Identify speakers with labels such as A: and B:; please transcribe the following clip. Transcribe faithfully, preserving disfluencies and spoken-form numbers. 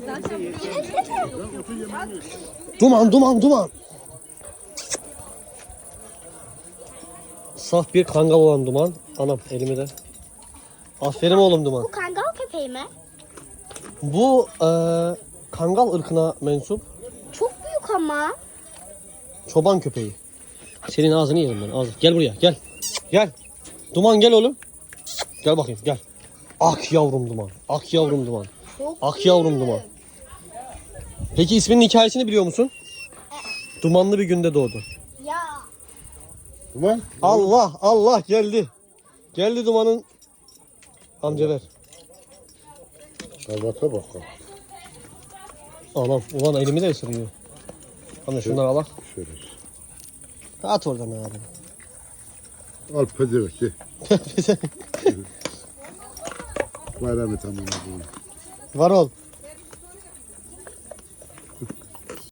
A: Duman duman duman. Saf bir kangal olan Duman. Anam elimi de. Aferin oğlum Duman.
B: Bu kangal köpeği mi?
A: Bu e, kangal ırkına mensup
B: Çok büyük ama.
A: çoban köpeği. Senin ağzını yerim ben. Ağzı. Gel buraya gel. Gel. Duman gel oğlum. Gel bakayım gel. Ak yavrum Duman. Ak yavrum Duman.
B: Çok
A: Ak yavrum Duman. Peki isminin hikayesini biliyor musun? Dumanlı bir günde doğdu.
B: Ya.
C: Duman.
A: Allah Allah geldi. Geldi Duman'ın. Amca ver.
C: Şerbete bak.
A: Anam ulan elimi de ısırıyor. Anne şunları al.
C: Şöyle.
A: At oradan abi.
C: Al pezeveki. Bayramı tamam.
A: Var ol.